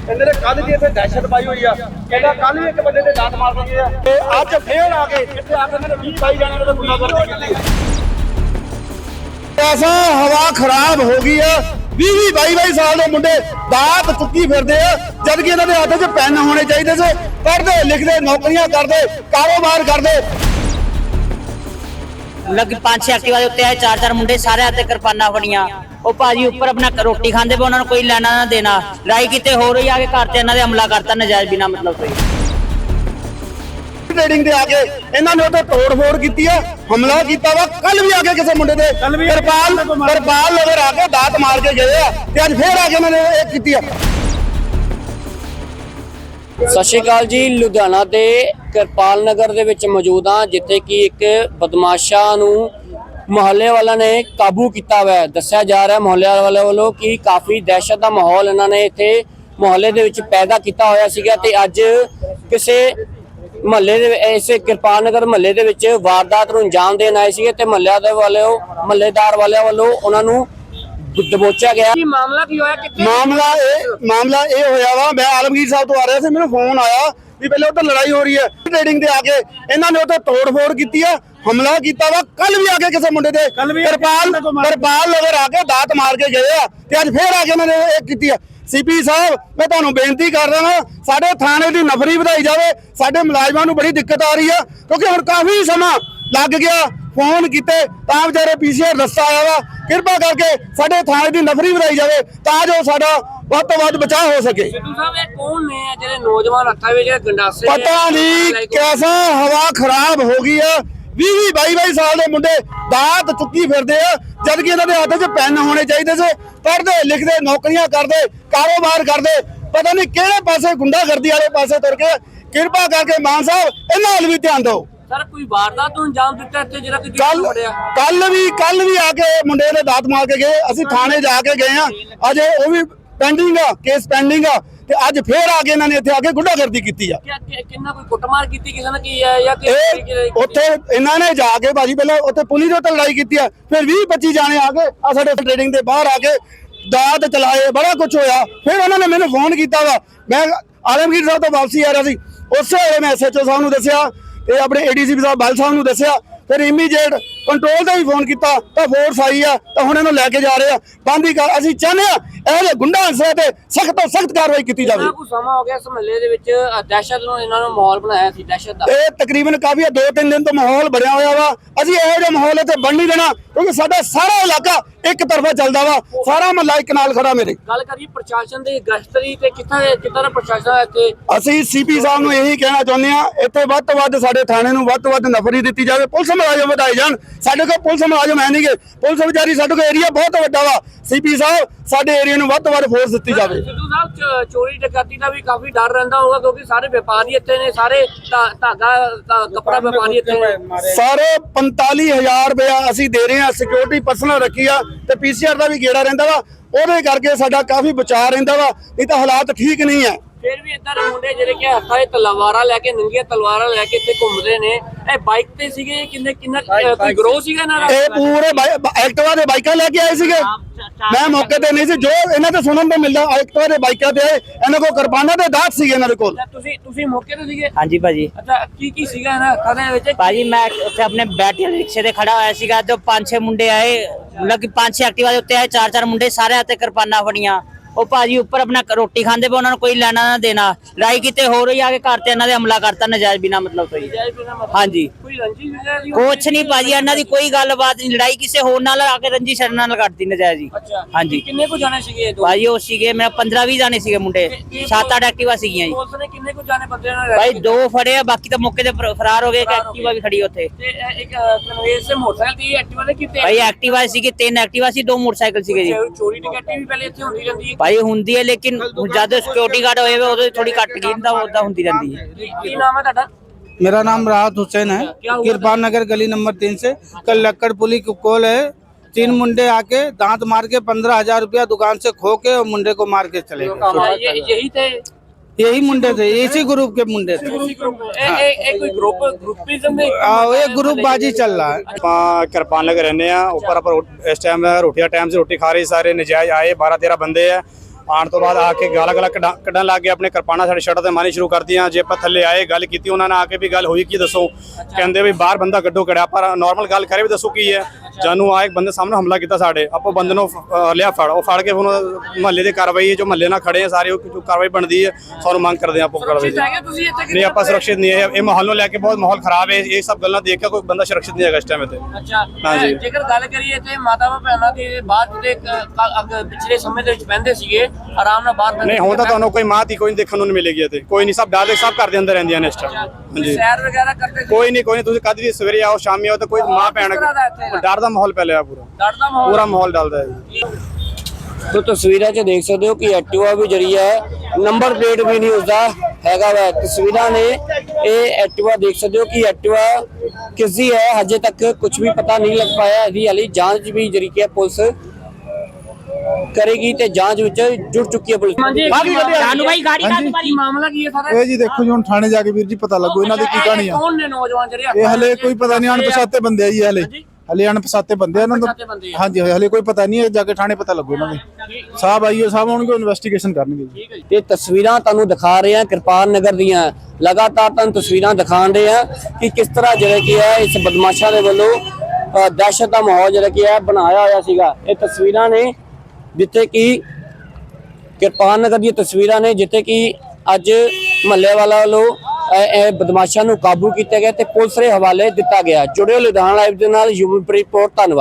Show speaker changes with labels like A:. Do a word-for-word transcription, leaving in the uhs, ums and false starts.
A: ਕਹਿੰਦੇ ਨੇ ਕੱਲ ਦੀ ਇੱਥੇ ਦਹਿਸ਼ਤ ਪਾਈ ਹੋਈ ਆ। ਕਹਿੰਦਾ ਕੱਲ ਵੀ ਇੱਕ ਬੰਦੇ ਤੇ ਦਾਤ ਮਾਰ ਦਿੱਤੀ ਆ ਤੇ ਅੱਜ ਫੇਰ ਆ ਕੇ ਇੱਥੇ ਆ ਕੇ ਇਹਨਾਂ ਨੇ ਵੀਹ ਬਾਈ ਜਾਣਿਆਂ ਨੇ ਗੁੰਡਾਗਰਦੀ ਕੀਤੀ। ਐਸਾ ਹਵਾ ਖਰਾਬ ਹੋ ਗਈ ਆ। ਵੀਹ ਵੀਹ ਬਾਈ ਬਾਈ ਸਾਲ ਦੇ ਮੁੰਡੇ ਦਾਤ ਚੁੱਕੀ ਫਿਰਦੇ ਆ, ਜਦ ਕਿ ਇਹਨਾਂ ਦੇ ਹੱਥ 'ਚ ਪੈਨ ਹੋਣੇ ਚਾਹੀਦੇ ਸੀ। ਪੜ੍ਹਦੇ ਲਿਖਦੇ ਨੌਕਰੀਆਂ ਕਰਦੇ ਕਾਰੋਬਾਰ ਕਰਦੇ।
B: लग पांच छह एक्टिवा उत्ते आए, चार चार मुंडे सारे हाथ किरपाना फड़ियां। ਉਹ ਭਾਜੀ ਉੱਪਰ ਆਪਣਾ ਰੋਟੀ ਖਾਂਦੇ ਪਏ, ਉਹਨਾਂ ਨੂੰ ਕੋਈ ਲੈਣਾ ਨਾ ਦੇਣਾ। ਲੜਾਈ ਕਿਤੇ ਹੋ ਰਹੀ ਆ ਕੇ ਘਰ ਤੇ ਇਹਨਾਂ ਦੇ ਹਮਲਾ ਕਰਤਾ ਨਜਾਇਜ਼ ਬਿਨਾ ਮਤਲਬ ਤੋਂ।
A: ਟ੍ਰੇਡਿੰਗ ਦੇ ਆ ਕੇ ਇਹਨਾਂ ਨੇ ਉੱਤੇ ਤੋੜ ਫੋੜ ਕੀਤੀ ਆ, ਹਮਲਾ ਕੀਤਾ ਵਾ। ਕੱਲ ਵੀ ਆ ਕੇ ਕਿਸੇ ਮੁੰਡੇ ਦੇ ਕਿਰਪਾਲ ਕਿਰਪਾਲ ਨਗਰ ਆ ਕੇ ਦਾਤ ਮਾਰ ਕੇ ਗਏ ਆ ਤੇ ਅੱਜ ਫੇਰ ਆ ਕੇ ਇਹਨਾਂ ਨੇ ਇਹ ਕੀਤੀ ਆ।
C: ਸਤਿ ਸ਼੍ਰੀ ਅਕਾਲ ਜੀ। ਲੁਧਿਆਣਾ ਦੇ ਕਿਰਪਾਲ ਨਗਰ ਦੇ ਵਿੱਚ ਮੌਜੂਦ ਹਾਂ, ਜਿੱਥੇ ਕਿ ਇੱਕ ਬਦਮਾਸ਼ਾਂ ਨੂੰ ਮੁਹੱਲੇ ਵਾਲਾ ਨੇ ਕਾਬੂ ਕੀਤਾ ਹੋਇਆ। ਦੱਸਿਆ ਜਾ ਰਿਹਾ ਮੁਹੱਲੇ ਵਾਲੇ ਵੱਲੋਂ ਕਿ ਕਾਫੀ ਦਹਿਸ਼ਤ ਦਾ ਮਾਹੌਲ ਇਹਨਾਂ ਨੇ ਇੱਥੇ ਮੁਹੱਲੇ ਦੇ ਵਿੱਚ ਪੈਦਾ ਕੀਤਾ ਹੋਇਆ ਸੀਗਾ ਤੇ ਅੱਜ ਕਿਸੇ ਮੁਹੱਲੇ ਦੇ ਇਸੇ ਕਿਰਪਾਲ ਨਗਰ ਮੁਹੱਲੇ ਦੇ ਵਿੱਚ ਵਾਰਦਾਤ ਨੂੰ ਅੰਜਾਮ ਦੇਣ ਆਏ ਸੀਗੇ ਤੇ ਮੁਹੱਲਿਆਂ ਦੇ ਵੱਲੋਂ ਮੁਹੱਲੇਦਾਰ ਵਾਲਿਆਂ ਵੱਲੋਂ ਉਹਨਾਂ ਨੂੰ ਦਬੋਚਿਆ ਗਿਆ। ਕੀ ਮਾਮਲਾ ਕੀ ਹੋਇਆ? ਕਿੱਥੇ
A: ਮਾਮਲਾ ਇਹ ਮਾਮਲਾ ਇਹ ਹੋਇਆ ਵਾ, ਮੈਂ ਆਲਮਗੀਰ ਸਾਹਿਬ ਤੋਂ ਆ ਰਿਹਾ ਸੀ, ਮੈਨੂੰ ਫੋਨ ਆਇਆ ਵੀ ਪਹਿਲੇ ਉੱਧਰ ਲੜਾਈ ਹੋ ਰਹੀ ਹੈ। ਟ੍ਰੇਡਿੰਗ ਤੇ ਆ ਕੇ ਇਹਨਾਂ ਨੇ ਉੱਥੇ ਤੋੜ ਫੋੜ ਕੀਤੀ ਆ, ਹਮਲਾ ਕੀਤਾ ਵਾ। ਕੱਲ ਵੀ ਆ ਕੇ ਕਿਸੇ ਮੁੰਡੇ ਤੇ ਕਿਰਪਾਲ ਕਿਰਪਾਲ ਨਗਰ ਆ ਕੇ ਦਾਤ ਮਾਰ ਕੇ ਗਏ ਆ ਤੇ ਅੱਜ ਫੇਰ ਆ ਕੇ ਇਹਨਾਂ ਨੇ ਇਹ ਕੀਤੀ ਆ। ਸੀਪੀ ਸਾਹਿਬ, ਮੈਂ ਤੁਹਾਨੂੰ ਬੇਨਤੀ ਕਰ ਰਿਹਾ ਹਾਂ, ਸਾਡੇ ਥਾਣੇ ਦੀ ਨਫਰੀ ਵਧਾਈ ਜਾਵੇ। ਸਾਡੇ ਮੁਲਾਜ਼ਮਾਂ ਨੂੰ ਬੜੀ ਦਿੱਕਤ ਆ ਰਹੀ ਆ, ਕਿਉਂਕਿ ਹੁਣ ਕਾਫੀ ਸਮਾਂ ਲੱਗ ਗਿਆ। ਫੋਨ ਕੀਤੇ ਤਾਂ ਵਿਚਾਰੇ ਪੀਸੀਆਰ ਰਸਤਾ ਆਇਆ ਵਾ। ਕਿਰਪਾ ਕਰਕੇ ਸਾਡੇ ਥਾਣੇ ਦੀ ਨਫਰੀ ਵਧਾਈ ਜਾਵੇ ਤਾਂ ਜੋ ਸਾਡਾ ਵੱਧ ਤੋਂ ਵੱਧ ਬਚਾਅ ਹੋ ਸਕੇ।
C: ਸਿੱਧੂ ਸਾਹਿਬ, ਇਹ ਕੌਣ ਨੇ ਜਿਹੜੇ ਨੌਜਵਾਨ ਹੱਥਾਂ ਵਿੱਚ ਗੰਡਾਸੇ?
A: ਪਤਾ ਨਹੀਂ ਕਿਹਦਾ ਹਵਾ ਖਰਾਬ ਹੋ ਗਈ ਆ। ਵੀਹ ਵੀਹ ਬਾਈ ਬਾਈ ਸਾਲ ਦੇ ਮੁੰਡੇ ਦਾਤ ਚੁੱਕੀ ਫਿਰਦੇ ਆ, ਜਦ ਕਿ ਇਹਨਾਂ ਦੇ ਹੱਥ 'ਚ ਪੈਨ ਹੋਣੇ ਚਾਹੀਦੇ ਸੀ। ਪੜ੍ਹਦੇ ਲਿਖਦੇ ਨੌਕਰੀਆਂ ਕਰਦੇ ਕਾਰੋਬਾਰ ਕਰਦੇ। ਪਤਾ ਨਹੀਂ ਕਿਹੜੇ ਪਾਸੇ ਗੁੰਡਾਗਰਦੀ ਵਾਲੇ ਪਾਸੇ ਤੁਰ ਕੇ। ਕਿਰਪਾ ਕਰਕੇ ਮਾਨ ਸਾਹਿਬ ਇਹਨਾਂ ਵੱਲ ਵੀ ਧਿਆਨ ਦਿਓ।
C: ਸਰ, ਕੋਈ ਵਾਰਦਾਤ ਨੂੰ ਅੰਜਾਮ ਦਿੱਤਾ ਇੱਥੇ ਜਿਹੜਾ ਕਿ
A: ਕੱਲ ਕੱਲ ਵੀ ਕੱਲ ਵੀ ਆ ਕੇ ਮੁੰਡੇ ਨੇ ਦਾਤ ਮਾਰ ਕੇ ਗਏ। ਅਸੀਂ ਥਾਣੇ ਜਾ ਕੇ ਗਏ ਆ, ਅਜੇ ਉਹ ਵੀ ਪੈਂਡਿੰਗ ਆ, ਕੇਸ ਪੈਂਡਿੰਗ ਆ ਤੇ ਅੱਜ ਫੇਰ ਆ ਕੇ ਇਹਨਾਂ ਨੇ ਇੱਥੇ ਆ ਕੇ ਗੁੰਡਾਗਰਦੀ ਕੀਤੀ ਆ।
C: ਕਿੰਨਾ ਕੋਈ ਕੁੱਟਮਾਰ ਕੀਤੀ ਕਿਸੇ ਨੇ ਕੀ ਹੈ ਜਾਂ
A: ਉੱਥੇ ਇਹਨਾਂ ਨੇ ਜਾ ਕੇ ਭਾਜੀ ਪਹਿਲਾਂ ਉੱਥੇ ਪੁਲਿਸ ਨਾਲ ਲੜਾਈ ਕੀਤੀ ਆ, ਫਿਰ ਵੀਹ ਪੱਚੀ ਜਾਣੇ ਆ ਕੇ ਆ ਸਾਡੇ ਟ੍ਰੇਡਿੰਗ ਦੇ ਬਾਹਰ ਆ ਕੇ ਦਾਤ ਚਲਾਏ, ਬੜਾ ਕੁਝ ਹੋਇਆ। ਫਿਰ ਉਹਨਾਂ ਨੇ ਮੈਨੂੰ ਫੋਨ ਕੀਤਾ ਵਾ, ਮੈਂ ਆਲਮਗੀਰ ਸਾਹਿਬ ਤੋਂ ਵਾਪਸੀ ਆ ਰਿਹਾ ਸੀ। ਉਸੇ ਵੇਲੇ ਮੈਂ ਐਸਐਚਓ ਸਾਹਿਬ ਨੂੰ ਦੱਸਿਆ ਤੇ ਆਪਣੇ ਏਡੀਸੀਪੀ ਸਾਹਿਬ ਬਲ ਸਾਹਿਬ ਨੂੰ ਦੱਸਿਆ। ਫਿਰ ਇਮੀਡੀਏਟ ਕੰਟਰੋਲ ਤੇ ਵੀ ਫੋਨ ਕੀਤਾ ਤਾਂ ਫੋਰਸ ਆਈ ਆ ਤਾਂ ਹੁਣ ਇਹਨੂੰ ਲੈ ਕੇ ਜਾ ਰਹੇ ਆ। ਬੰਦੀ ਕਰ ਅਸੀਂ ਚਾਹੁੰਦੇ ਆ ਇਹਦੇ ਗੁੰਡਾ ਅਨਸਰਾਂ ਤੇ ਸਖਤ ਤੋਂ ਸਖਤ ਕਾਰਵਾਈ ਕੀਤੀ ਜਾਵੇ।
C: ਕੁਝ ਸਮਾਂ ਹੋ ਗਿਆ ਇਸ ਮਹੱਲੇ ਦੇ ਵਿੱਚ ਦਹਿਸ਼ਤ ਨੂੰ ਇਹਨਾਂ ਨੂੰ ਮਾਹੌਲ ਬਣਾਇਆ ਸੀ, ਦਹਿਸ਼ਤ ਦਾ।
A: ਇਹ ਤਕਰੀਬਨ ਕਾਫੀ ਦੋ ਤਿੰਨ ਦਿਨ ਤੋਂ ਮਾਹੌਲ ਬਣਿਆ ਹੋਇਆ ਵਾ। ਅਸੀਂ ਇਹੋ ਜਿਹਾ ਮਾਹੌਲ ਇੱਥੇ ਬਣ ਨਹੀਂ ਦੇਣਾ, ਕਿਉਂਕਿ ਸਾਡਾ ਸਾਰਾ ਇਲਾਕਾ ਇੱਕ ਤਰਫਾ ਚੱਲਦਾ ਵਾ। ਸਾਰਾ ਮਹੱਲਾ ਇੱਕ ਨਾਲ ਖੜਾ। ਮੇਰੇ
C: ਗੱਲ ਕਰੀਏ ਪ੍ਰਸ਼ਾਸਨ ਦੀ ਗਸ਼ਤਰੀ ਤੇ ਕਿੱਥੇ ਕਿੱਦਾਂ ਦਾ ਪ੍ਰਸ਼ਾਸਨ ਹੈ ਇੱਥੇ?
A: ਅਸੀਂ ਸੀਪੀ ਸਾਹਿਬ ਨੂੰ ਇਹੀ ਕਹਿਣਾ ਚਾਹੁੰਦੇ ਆ, ਇੱਥੇ ਵੱਧ ਤੋਂ ਵੱਧ ਸਾਡੇ ਥਾਣੇ ਨੂੰ ਵੱਧ ਤੋਂ ਵੱਧ ਨਫਰੀ ਦਿੱਤੀ ਜਾਵੇ। ਪੁਲਿਸ ਮੁਲਾਜ਼ਮ ਵਧਾਏ ਜਾਣ। ਸਾਡੇ ਕੋਲ ਪੁਲਿਸ ਮੁਲਾਜ਼ਮ ਹੈ ਨਹੀਂਗੇ, ਪੁਲਿਸ ਵਿਚਾਰੀ ਸਾਡੇ ਕੋਲ ਏਰੀਆ ਬਹੁਤ ਵੱਡਾ ਵਾ। ਸੀਪੀ ਸਾਹਿਬ, ਸਾਡੇ ਏਰੀਆ ਨੂੰ ਵੱਧ ਤੋਂ ਵੱਧ ਫੋਰਸ ਦਿੱਤੀ ਜਾਵੇ।
C: ਸਿੱਧੂ ਸਾਹਿਬ, ਚੋਰੀ ਡਕੈਤੀ ਦਾ ਵੀ ਕਾਫੀ ਡਰ ਰਹਿੰਦਾ ਹੋਊਗਾ, ਕਿਉਂਕਿ ਸਾਰੇ ਵਪਾਰੀ ਇੱਥੇ ਨੇ, ਸਾਰੇ ਧਾਗਾ ਕੱਪੜਾ ਵਪਾਰੀ ਇੱਥੇ ਨੇ।
A: ਸਾਰੇ ਪੰਤਾਲੀ ਹਜ਼ਾਰ ਰੁਪਇਆ ਅਸੀਂ ਦੇ ਰਹੇ ਹਾਂ, ਸਿਕਿਉਰਿਟੀ ਪਰਸਨਲ ਰੱਖੀ ਆ ਤੇ ਪੀਸੀਆਰ ਦਾ ਵੀ ਗੇੜਾ ਰਹਿੰਦਾ ਵਾ। ਉਹਦੇ ਕਰਕੇ ਸਾਡਾ ਕਾਫੀ ਬਚਾਅ ਰਹਿੰਦਾ ਵਾ, ਨਹੀਂ ਤਾਂ ਹਾਲਾਤ ਠੀਕ ਨਹੀਂ ਹੈ।
C: ਫਿਰ ਵੀ ਇੱਧਰ ਮੁੰਡੇ ਜਿਹੜੇ ਕਿ ਹੱਥਾਂ 'ਚ ਤਲਵਾਰਾਂ ਲੈ ਕੇ, ਨੰਗੀਆਂ ਤਲਵਾਰਾਂ ਲੈ ਕੇ ਇੱਥੇ ਘੁੰਮਦੇ ਨੇ। ਇਹ ਬਾਈਕ ਤੇ ਸੀਗੇ? ਕਿੰਨੇ ਕਿੰਨਾ ਕੋਈ ਗਰੋਹ ਸੀਗਾ ਇਹਨਾਂ ਦਾ?
A: ਇਹ ਪੂਰੇ ਐਕਟਿਵਾ ਦੇ ਬਾਈਕਾਂ ਲੈ ਕੇ ਆਏ ਸੀਗੇ। ਮੈਂ ਮੌਕੇ ਤੇ ਨਹੀਂ ਸੀ, ਜੋ ਇਹਨਾਂ ਤੋਂ ਸੁਣਨ ਤੋਂ ਮਿਲਦਾ ਐਕਟਿਵਾ ਦੇ ਬਾਈਕਾਂ ਤੇ ਇਹਨਾਂ ਕੋਲ ਕਿਰਪਾਨਾਂ ਤੇ ਦਾਤ ਸੀਗੇ ਇਹਨਾਂ ਦੇ ਕੋਲ।
C: ਤੁਸੀਂ ਤੁਸੀਂ ਮੌਕੇ ਤੇ ਸੀਗੇ?
B: ਹਾਂਜੀ ਭਾਜੀ।
C: ਅੱਛਾ, ਕੀ ਕੀ ਸੀਗਾ ਇਹਨਾਂ ਹੱਥਾਂ ਦੇ ਵਿੱਚ?
B: ਭਾਜੀ ਮੈਂ ਉੱਥੇ ਆਪਣੇ ਬੈਟਰੀ ਰਿਕਸ਼ੇ ਤੇ ਖੜਾ ਹੋਇਆ ਸੀਗਾ, ਜੋ ਪੰਜ ਛੇ ਮੁੰਡੇ ਆਏ। ਮਤਲਬ ਕਿ ਪੰਜ ਛੇ ਐਕਟਿਵਾ ਦੇ ਉੱਤੇ ਆਏ, ਚਾਰ ਚਾਰ ਮੁੰਡੇ ਸਾਰੇ ਹੱਥ ਕਿਰਪਾਨਾਂ ਫੜੀਆਂ। ਉਹ ਭਾਜੀ ਉੱਪਰ ਆਪਣਾ ਰੋਟੀ ਖਾਂਦੇ ਪਏ, ਉਹਨਾਂ ਨੂੰ ਕੋਈ ਲੈਣਾ ਨਾ ਦੇਣਾ। ਲੜਾਈ ਕਿਤੇ ਹੋ ਰਹੀ ਆ ਕੇ ਘਰ ਤੇ ਇਹਨਾਂ ਦੇ ਹਮਲਾ ਕਰਤਾ ਨਜਾਇਜ਼ ਬਿਨਾ ਮਤਲਬ ਤੋਂ। ਹਾਂਜੀ,
C: ਕੋਈ ਰੰਜਿਸ਼ ਵਗੈਰਾ ਦੀ?
B: ਕੁਛ ਨਹੀਂ ਭਾਜੀ, ਇਹਨਾਂ ਦੀ ਕੋਈ ਗੱਲਬਾਤ ਨਹੀਂ। ਲੜਾਈ ਕਿਸੇ ਹੋਰ ਨਾਲ ਆ ਕੇ ਰੰਜੀ ਸ਼ਰਨ ਨਾਲ ਕਰਤੀ ਨਜਾਇਜ਼ ਜੀ। ਹਾਂਜੀ।
C: ਕਿੰਨੇ ਕੁ ਜਾਣੇ ਸੀਗੇ?
B: ਭਾਜੀ ਉਹ ਸੀਗੇ ਮੇਰਾ ਪੰਦਰਾਂ ਵੀਹ ਜਾਣੇ ਸੀਗੇ ਮੁੰਡੇ, ਸੱਤ ਅੱਠ ਐਕਟਿਵਾ ਸੀਗੀਆਂ ਜੀ।
C: ਪੁਲਿਸ ਨੇ ਕਿੰਨੇ ਕੁ ਜਾਣੇ ਬੰਦੇ ਨਾਲ?
B: ਭਾਈ ਦੋ ਫੜੇ ਆ, ਬਾਕੀ ਤਾਂ ਮੌਕੇ ਤੇ ਫਰਾਰ ਹੋ ਗਏ। ਇੱਕ ਐਕਟਿਵਾ ਵੀ ਖੜੀ ਉੱਥੇ।
C: ਤੇ ਇੱਕ ਕਨਵੇਸ ਸੇ ਮੋਟਰਸਾਈਕਲ ਦੀ ਐਕਟਿਵਾ ਦੇ ਕਿਤੇ?
B: ਭਾਈ ਐਕਟਿਵਾ ਸੀਗੇ, ਤਿੰਨ ਐਕਟਿਵਾ ਸੀ, ਦੋ ਮੋਟਰਸਾਈਕਲ ਸੀਗੇ ਜੀ।
C: ਚੋਰੀ ਡਕੈਤੀ ਵੀ ਪਹਿਲੇ ਇੱਥੇ ਹੁੰਦੀ ਰਹਿੰਦੀ ਹੈ?
B: ਭਾਈ ਹੁੰਦੀ ਹੈ, ਲੇਕਿਨ ਜਦ ਸਿਕਿਉਰਿਟੀ ਗਾਰਡ ਹੋਏ ਉਹਦੇ ਥੋੜੀ ਘੱਟ ਗਈ ਤਾਂ ਉਦਾਂ ਹੁੰਦੀ ਰਹਿੰਦੀ ਹੈ।
C: ਕੀ ਨਾਮ ਹੈ ਤੁਹਾਡਾ?
D: मेरा नाम राहत हुसैन है, किरपाल नगर गली नंबर तीन से। कल लक्कड़ पुली की कॉल है, तीन मुंडे आके दांत मार के पंद्रह हजार रुपया दुकान से खो के और मुंडे को मार के चले गए।
C: यही थे?
D: यही मुंडे थे, इसी ग्रुप के मुंडे थे। एक ग्रुप बाजी चल रहा है।
E: किरपाल नगर रहने ऊपर इस टाइम रोटी का टाइम से रोटी खा रही, सारे नजायज आए बारह तेरह बंदे है। ਆਉਣ ਤੋਂ ਬਾਅਦ ਆ ਕੇ ਗਾਲਾਂ ਗਾਲਾਂ ਕੱਢਾ- ਕੱਢਣ ਲੱਗ ਗਏ, ਆਪਣੇ ਕਿਰਪਾਨਾਂ ਸਾਡੇ ਸ਼ਰਟ ਤੇ ਮਾਰਨੀ ਸ਼ੁਰੂ ਕਰਤੀਆਂ। ਜੇ ਆਪਾਂ ਥੱਲੇ ਆਏ ਗੱਲ ਕੀਤੀ ਉਹਨਾਂ ਨੇ ਆ ਕੇ ਵੀ ਗੱਲ ਹੋਈ ਕੀ ਦੱਸੋ, ਕਹਿੰਦੇ ਵੀ ਬਾਹਰ ਬੰਦਾ ਕੱਢੋ ਕੜਿਆ, ਪਰ ਨਾਰਮਲ ਗੱਲ ਕਰੇ ਵੀ ਦੱਸੋ ਕੀ ਹੈ। ਜਾਨੂੰ ਆ ਇੱਕ ਬੰਦੇ ਸਾਹਮਣੇ ਹਮਲਾ ਕੀਤਾ ਸਾਡੇ, ਆਪਾਂ ਬੰਦੇ ਨੂੰ ਅਹ, ਲਿਆ ਫੜ, ਉਹ ਫੜ ਕੇ ਹੁਣ ਮਹੱਲੇ ਦੀ ਕਾਰਵਾਈ ਹੈ, ਜੋ ਮਹੱਲੇ ਨਾਲ ਖੜੇ ਆ ਸਾਰੇ, ਉਹ ਜੋ ਕਾਰਵਾਈ ਬਣਦੀ ਹੈ ਸਾਨੂੰ ਮੰਗ ਕਰਦੇ ਆ ਆਪਾਂ ਕਾਰਵਾਈ ਦੀ। ਨਹੀਂ ਆਪਾਂ ਸੁਰੱਖਿਤ ਨਹੀਂ ਹੈ, ਇਹ ਮਾਹੌਲ ਨੂੰ ਲੈ ਕੇ ਬਹੁਤ ਮਾਹੌਲ ਖਰਾਬ ਹੈ, ਇਹ ਸਭ ਗੱਲਾਂ ਦੇਖ ਕੇ ਕੋਈ ਬੰਦਾ ਸੁਰੱਖਿਤ ਨਹੀਂ ਹੈਗਾ ਇਸ ਟਾਈਮ ਤੇ।
C: ਅੱਛਾ
E: ਹਾਂਜੀ।
C: ਜੇਕਰ ਗੱਲ ਕਰੀਏ ਤੇ ਮਾਤਾਵਾਂ ਭੈਣਾਂ ਦੇ ਬਾਅਦ ਦੇ ਪਿਛਲੇ ਸਮੇਂ ਦੇ ਵਿੱਚ ਬਹਿੰਦੇ ਸੀਗੇ ਆਰਾਮ ਨਾਲ ਬਾਹਰ
E: ਨਹੀਂ ਹੁਣ ਤਾਂ ਤੁਹਾਨੂੰ ਕੋਈ ਮਾਂ ਦੀ ਕੋਈ ਨਹੀਂ ਦੇਖਣ ਨੂੰ ਨਹੀਂ ਮਿਲੇਗੀ ਇੱਥੇ, ਕੋਈ ਨਹੀਂ, ਸਭ ਡਾਦੇ ਸਭ ਘਰ ਦੇ ਅੰਦਰ ਰਹਿੰਦੀਆਂ ਨੇ ਇਸ ਟਾਈਮ। ਹਾਂਜੀ
C: ਸੈਰ ਵਗੈਰਾ ਕਰਦੇ ਸੀ?
E: ਕੋਈ ਨਹੀਂ ਕੋਈ ਨਹੀਂ, ਤੁਸੀਂ ਕਦ ਵੀ ਸਵੇਰੇ ਆਓ ਸ਼ਾਮੀ ਆਓ ਤਾਂ ਕੋਈ ਮਾਂ ਭੈਣ ਡਰ ਦਾ ਮਾਹੌਲ ਪਹਿਲੇ ਆ, ਪੂਰਾ
C: ਡਰ ਦਾ ਮਾਹੌਲ
E: ਪੂਰਾ ਮਾਹੌਲ ਡਲਦਾ ਹੈ ਜੀ।
C: ਤੋ ਤਸਵੀਰਾਂ 'ਚ ਦੇਖ ਸਕਦੇ ਹੋ ਕਿ ਐਕਟਿਵਾ ਵੀ ਜਿਹੜੀ ਹੈ ਨੰਬਰ ਪਲੇਟ ਵੀ ਨਹੀਂ ਉਸਦਾ ਹੈਗਾ ਵਾ। ਤਸਵੀਰਾਂ ਨੇ ਇਹ ਐਕਟਿਵਾ ਦੇਖ ਸਕਦੇ ਹੋ ਕਿ ਐਕਟਿਵਾ ਕਿਸ ਦੀ ਹੈ, ਹਜੇ ਤੱਕ ਕੁਝ ਵੀ ਪਤਾ ਨਹੀਂ ਲੱਗ ਪਾਇਆ। ਇਹਦੀ ਹਾਲੀ ਜਾਂਚ ਵੀ ਜਿਹੜੀ ਕਿ ਹੈ ਪੁਲਿਸ ਕਰੇਗੀ ਤੇ ਜਾਂਚ ਵਿੱਚ ਜੁੜ ਚੁੱਕੀ ਹੈ ਪੁਲਿਸ।
B: ਜਾਨੂ ਭਾਈ ਗਾੜੀ ਕਾਹਦੀ ਮਾਰੀ?
C: ਮਾਮਲਾ ਕੀ ਹੈ ਸਾਰਾ?
F: ਇਹ ਜੀ ਦੇਖੋ ਜੀ ਹੁਣ ਥਾਣੇ ਜਾ ਕੇ ਵੀਰ ਜੀ ਪਤਾ ਲੱਗੂ ਇਹਨਾਂ ਦੀ ਕੀ ਕਹਾਣੀ ਆ।
C: ਕੌਣ ਨੇ ਨੌਜਵਾਨ ਜਿਹੜੇ?
F: ਇਹ ਹਲੇ ਕੋਈ ਪਤਾ ਨਹੀਂ, ਅਣਪਛਾਤੇ ਬੰਦੇ ਆ ਜੀ ਹਲੇ ਹਲੇ ਅਣਪਛਾਤੇ ਬੰਦੇ ਆ ਇਹਨਾਂ ਦਾ। ਹਾਂਜੀ ਹਲੇ ਕੋਈ ਪਤਾ ਨਹੀਂ ਹੈ, ਜਾ ਕੇ ਥਾਣੇ ਪਤਾ ਲੱਗੂ ਇਹਨਾਂ ਦੇ। ਸਾਹਿਬ ਆਈਓ ਸਾਹਿਬ ਆਉਣਗੇ, ਇਨਵੈਸਟੀਗੇਸ਼ਨ ਕਰਨਗੇ ਜੀ।
C: ਤੇ ਤਸਵੀਰਾਂ ਤੁਹਾਨੂੰ ਦਿਖਾ ਰਹੇ ਹਾਂ ਕਿਰਪਾਨ ਨਗਰ ਦੀਆਂ, ਲਗਾਤਾਰ ਤੁਹਾਨੂੰ ਤਸਵੀਰਾਂ ਦਿਖਾਣ ਰਹੇ ਹਾਂ ਕਿ ਕਿਸ ਤਰ੍ਹਾਂ ਜਿਹੜਾ ਕੀ ਹੈ ਇਸ ਬਦਮਾਸ਼ਾਂ ਦੇ ਵੱਲੋਂ ਅ, ਦਹਿਸ਼ਤ ਦਾ ਮਾਹੌਲ ਜਿਹੜਾ ਕੀ ਹੈ ਬਣਾਇਆ ਹੋਇਆ ਸੀਗਾ। ਇਹ ਤਸਵੀਰਾਂ ਨੇ ਜਿੱਥੇ ਕਿ ਕਿਰਪਾਨ ਨਗਰ ਦੀਆਂ ਤਸਵੀਰਾਂ ਨੇ ਜਿੱਥੇ ਕਿ ਅੱਜ ਮਹੱਲੇ ਵਾਲਾ ਵੱਲੋਂ ਇਹ ਬਦਮਾਸ਼ਾਂ ਨੂੰ ਕਾਬੂ ਕੀਤਾ ਗਿਆ ਤੇ ਪੁਲਿਸ ਦੇ ਹਵਾਲੇ ਦਿੱਤਾ ਗਿਆ। ਜੁੜਿਓ ਲੁਧਿਆਣਾ ਲਾਈਵ ਦੇ ਨਾਲ ਯੂਪੀ ਰਿਪੋਰਟ। ਧੰਨਵਾਦ।